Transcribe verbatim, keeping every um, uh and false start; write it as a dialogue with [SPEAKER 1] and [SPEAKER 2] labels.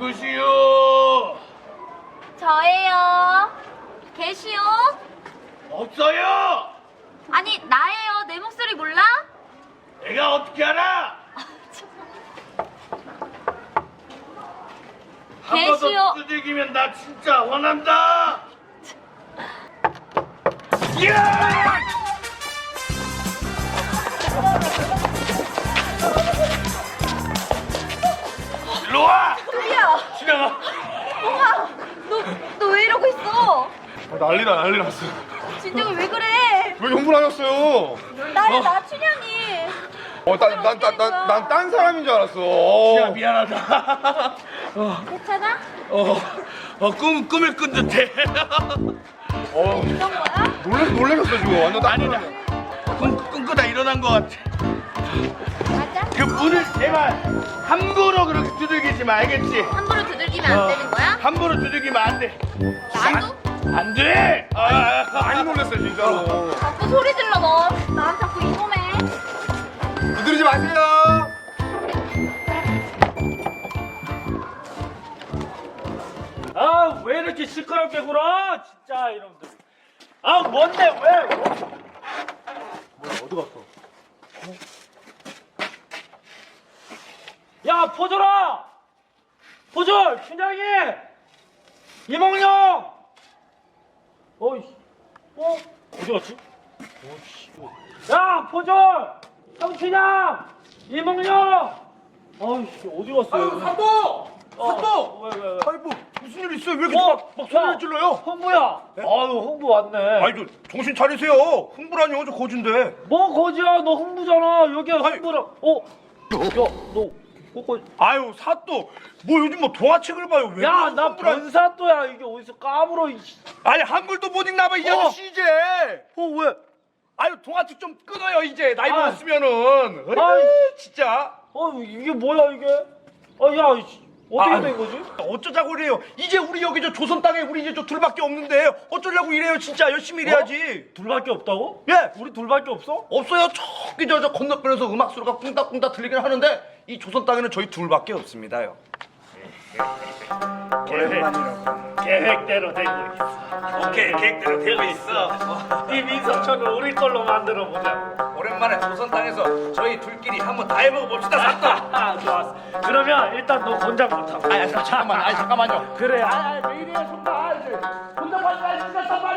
[SPEAKER 1] 누구시오?
[SPEAKER 2] 저예요. 계시오?
[SPEAKER 1] 없어요.
[SPEAKER 2] 아니 나예요. 내 목소리 몰라?
[SPEAKER 1] 내가 어떻게 알아? 한 번
[SPEAKER 2] 계시오.
[SPEAKER 1] 더 두들기면 나 진짜 화난다. 야! 일로 와.
[SPEAKER 2] 뚜리야.
[SPEAKER 1] 지나가.
[SPEAKER 2] 엄마, 너너 왜 이러고 있어?
[SPEAKER 3] 난리나 난리 났어.
[SPEAKER 2] 진정이 왜 그래?
[SPEAKER 3] 왜 흥분하셨어요?
[SPEAKER 2] 나야 나 춘향이.
[SPEAKER 3] 어난난난난 딴 사람인 줄 알았어.
[SPEAKER 1] 야 미안하다.
[SPEAKER 2] 괜찮아?
[SPEAKER 1] 어, 어, 꿈 꿈을 꾼 듯해.
[SPEAKER 3] 어
[SPEAKER 2] 이런 거야?
[SPEAKER 3] 놀래 놀래셨어 지금 완전 딴
[SPEAKER 1] 아니다.
[SPEAKER 3] 사람이야.
[SPEAKER 1] 꿈 꿈꾸다 일어난 것 같아.
[SPEAKER 2] 맞아?
[SPEAKER 1] 그 문을 제발 함부로 그렇게 두들기지 마, 알겠지?
[SPEAKER 2] 함부로 두들기면 안 되는 거야?
[SPEAKER 1] 함부로 두들기면 안 돼.
[SPEAKER 2] 나도?
[SPEAKER 1] 안 돼. 아,
[SPEAKER 3] 많이 놀랐어요 진짜로.
[SPEAKER 2] 자꾸 소리 질러 너. 난 자꾸 이놈해.
[SPEAKER 3] 두드리지 마세요.
[SPEAKER 4] 아 왜 이렇게 시끄럽게 굴어 진짜 이놈들. 아 뭔데 왜? 뭐야 어디 갔어? 어? 야 포졸아! 포졸! 춘향이! 이몽룡! 어이 어? 어디 갔지? 어이씨. 야 포졸! 성춘향! 이몽룡! 어이씨 어디 갔어?
[SPEAKER 3] 아유 사도. 사도.
[SPEAKER 4] 왜 왜 왜?
[SPEAKER 3] 아니 뭐 무슨 일 있어요? 왜 이렇게
[SPEAKER 4] 어?
[SPEAKER 3] 막, 막 소리를 질러요?
[SPEAKER 4] 흥부야! 아유 흥부 왔네.
[SPEAKER 3] 아니 저 정신 차리세요. 흥분하니 어저 거진데.
[SPEAKER 4] 뭐 거지야 너 흥부잖아 여기 흥부라. 어? 야너 꼬꼬.
[SPEAKER 3] 아유 사또 뭐 요즘 뭐 동화책을 봐요. 왜
[SPEAKER 4] 야나
[SPEAKER 3] 흥분하-
[SPEAKER 4] 변사또야 이게 어디서 까불어. 이 씨.
[SPEAKER 3] 아니 한글도 못 읽나 봐 이
[SPEAKER 4] 어.
[SPEAKER 3] 아저씨 이제.
[SPEAKER 4] 어 왜?
[SPEAKER 3] 아유 동화책 좀 끊어요 이제 나이
[SPEAKER 4] 아.
[SPEAKER 3] 먹었으면은.
[SPEAKER 4] 아이.
[SPEAKER 3] 아이 진짜.
[SPEAKER 4] 어 이게 뭐야 이게? 아야 어떻게
[SPEAKER 3] 아,
[SPEAKER 4] 된 거지?
[SPEAKER 3] 어쩌자고 그래요. 이제 우리 여기 저 조선 땅에 우리 이제 저 둘밖에 없는데 어쩌려고 이래요. 진짜 열심히 일해야지.
[SPEAKER 4] 둘밖에 없다고?
[SPEAKER 3] 예.
[SPEAKER 4] 우리 둘밖에 없어?
[SPEAKER 3] 없어요. 저기 저, 저 건너편에서 음악 소리가 꿍닥꿍닥 들리긴 하는데 이 조선 땅에는 저희 둘밖에 없습니다요.
[SPEAKER 4] 계획대로 되고 있어. 오케이 계획대로 되고 있어. 네 민속촌을 우리 걸로 만들어 보자고.
[SPEAKER 3] 오랜만에 조선 땅에서 저희 둘끼리 한번 다 해보고 봅시다. 사또.
[SPEAKER 4] 아 좋았어. 그러면 일단 너 곤장부터.
[SPEAKER 3] 아 잠깐만. 아 잠깐만요.
[SPEAKER 4] 그래. 아, 왜 이래요, 정말. 혼자 가지 마, 진짜 정말.